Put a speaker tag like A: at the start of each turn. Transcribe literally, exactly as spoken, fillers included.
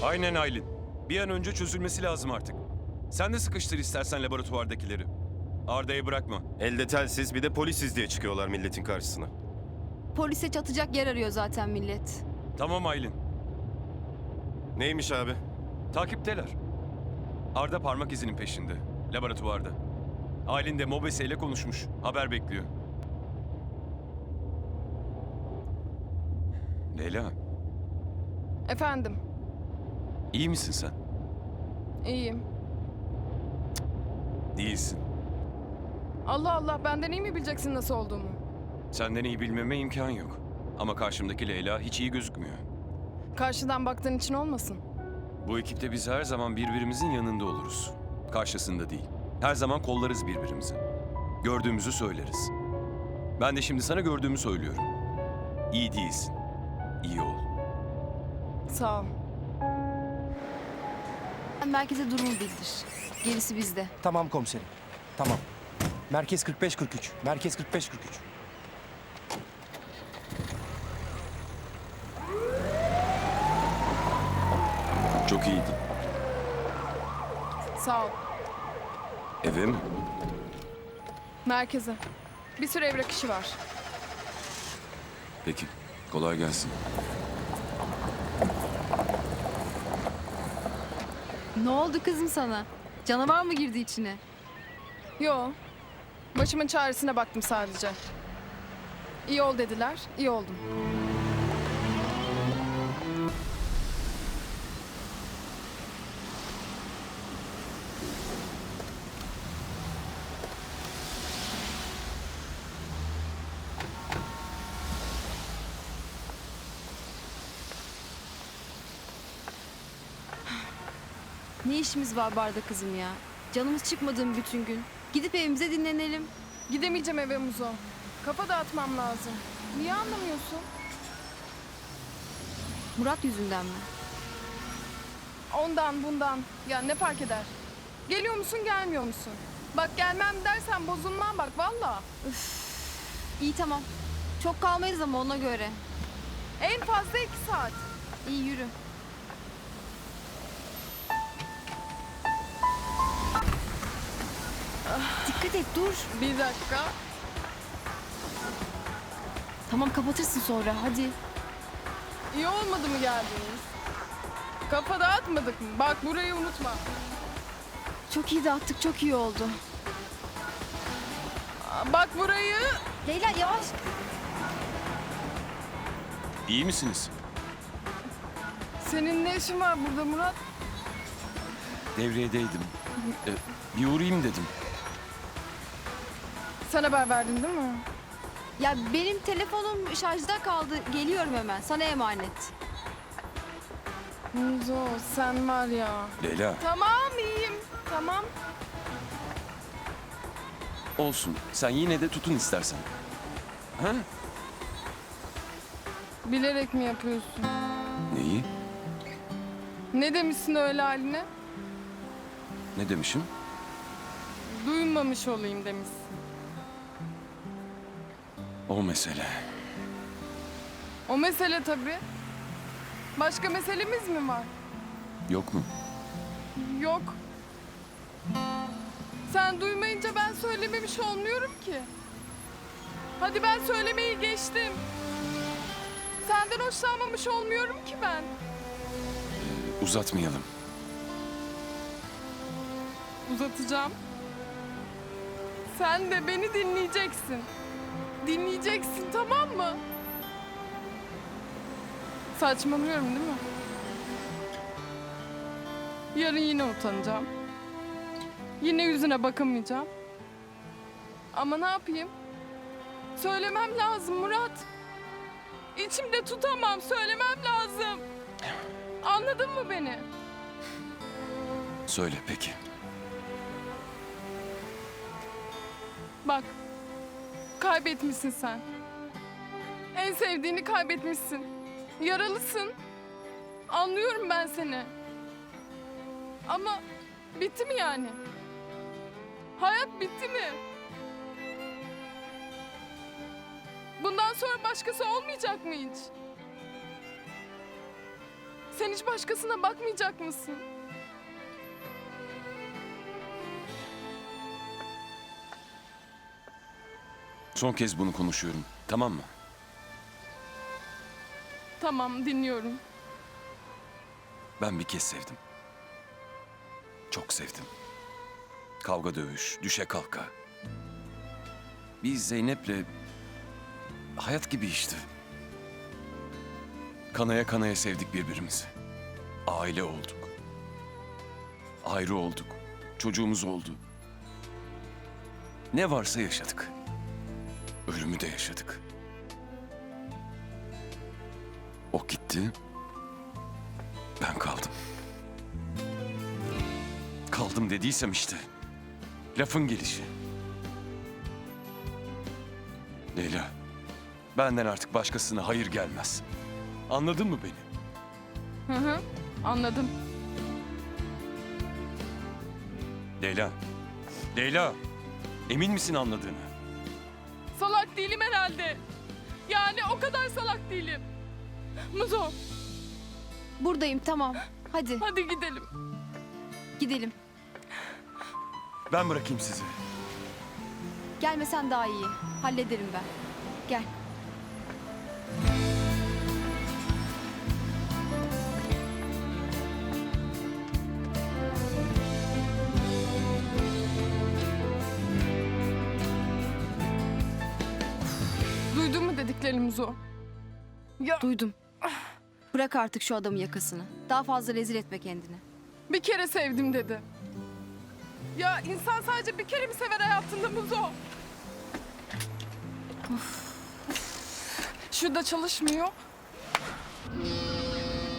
A: Aynen Aylin. Bir an önce çözülmesi lazım artık. Sen de sıkıştır istersen laboratuvardakileri. Arda'yı bırakma.
B: Elde telsiz bir de polisiz diye çıkıyorlar milletin karşısına.
C: Polise çatacak yer arıyor zaten millet.
A: Tamam Aylin.
B: Neymiş abi?
A: Takipteler. Arda parmak izinin peşinde. Laboratuvarda. Aylin de Mobese ile konuşmuş. Haber bekliyor. Leyla,
D: Efendim,
A: iyi misin sen?
D: iyiyim.
A: Değilsin.
D: Allah Allah, benden iyi mi bileceksin nasıl olduğumu?
A: Senden iyi bilmeme imkan yok. Ama karşımdaki Leyla hiç iyi gözükmüyor.
D: Karşıdan baktığın için olmasın.
A: Bu ekipte biz her zaman birbirimizin yanında oluruz. Karşısında değil. Her zaman kollarız birbirimizi. Gördüğümüzü söyleriz. Ben de şimdi sana gördüğümü söylüyorum. İyi değilsin. İyi ol.
D: Sağ ol.
C: Merkeze durumu bildir. Gerisi bizde.
E: Tamam komiserim. Tamam. Merkez kırk beş kırk üç. Merkez kırk beş kırk üç.
A: Çok iyiydin.
D: Sağ ol.
A: Eve mi?
D: Merkeze. Bir sürü evrak işi var.
A: Peki. Kolay gelsin.
C: Ne oldu kızım sana? Canavar mı girdi içine?
D: Yo. Başımın çaresine baktım sadece. İyi ol dediler, iyi oldum.
C: Ne işimiz var barda kızım ya? Canımız çıkmadı mı bütün gün? Gidip evimize dinlenelim.
D: Gidemeyeceğim eve Muzo. Kafa dağıtmam lazım. Niye anlamıyorsun?
C: Murat yüzünden mi?
D: Ondan bundan. Ya ne fark eder? Geliyor musun gelmiyor musun? Bak gelmem dersen bozulmam bak valla.
C: İyi tamam. Çok kalmayız ama ona göre.
D: En fazla iki saat.
C: İyi yürü. Dikkat et dur.
D: Bir dakika.
C: Tamam kapatırsın sonra hadi.
D: İyi olmadı mı geldiğiniz? Kafa dağıtmadık mı? Bak burayı unutma.
C: Çok iyi dağıttık çok iyi oldu.
D: Aa, Bak burayı.
C: Leyla yavaş.
A: İyi misiniz?
D: Senin ne işin var burada Murat?
A: Devriyedeydim. Ee, bir uğrayayım dedim.
D: Sen haber verdin değil mi?
C: Ya benim telefonum şarjda kaldı. Geliyorum hemen. Sana emanet.
D: Muzo sen var ya.
A: Leyla.
D: Tamam iyiyim. Tamam.
A: Olsun. Sen yine de tutun istersen. Ha?
D: Bilerek mi yapıyorsun?
A: Neyi?
D: Ne demişsin öyle haline?
A: Ne demişim?
D: Duymamış olayım demişsin.
A: O mesele.
D: O mesele tabii. Başka meselemiz mi var?
A: Yok mu?
D: Yok. Sen duymayınca ben söylememiş olmuyorum ki. Hadi ben söylemeyi geçtim. Senden hoşlanmamış olmuyorum ki ben.
A: Uzatmayalım.
D: Uzatacağım. Sen de beni dinleyeceksin. Dinleyeceksin tamam mı? Saçmalıyorum değil mi? Yarın yine utanacağım. Yine yüzüne bakamayacağım. Ama ne yapayım? Söylemem lazım Murat. İçimde tutamam, söylemem lazım. Anladın mı beni?
A: Söyle peki.
D: Bak, kaybetmişsin sen. En sevdiğini kaybetmişsin. Yaralısın. Anlıyorum ben seni. Ama bitti mi yani? Hayat bitti mi? Bundan sonra başkası olmayacak mı hiç? Sen hiç başkasına bakmayacak mısın?
A: Son kez bunu konuşuyorum. Tamam mı?
D: Tamam, dinliyorum.
A: Ben bir kez sevdim. Çok sevdim. Kavga dövüş, düşe kalka. Biz Zeynep'le hayat gibi işte. Kanaya kanaya sevdik birbirimizi. Aile olduk. Ayrı olduk. Çocuğumuz oldu. Ne varsa yaşadık. Ölümü de yaşadık. O gitti. Ben kaldım. Kaldım dediysem işte. Lafın gelişi. Leyla, benden artık başkasına hayır gelmez. Anladın mı beni?
D: Hı hı, anladım.
A: Leyla, Leyla, emin misin anladığını?
D: Salak değilim herhalde. Yani o kadar salak değilim. Muzo,
C: Buradayım tamam. Hadi
D: hadi gidelim.
C: gidelim.
A: Ben bırakayım sizi.
C: Gelmesen daha iyi. Hallederim ben. Gel.
D: Duydun mu dediklerini Muzo? Ya
C: Duydum. Bırak artık şu adamın yakasını. Daha fazla rezil etme kendini.
D: bir kere sevdim dedi. Ya insan sadece bir kere mi sever hayatında Muzo? Şurada çalışmıyor.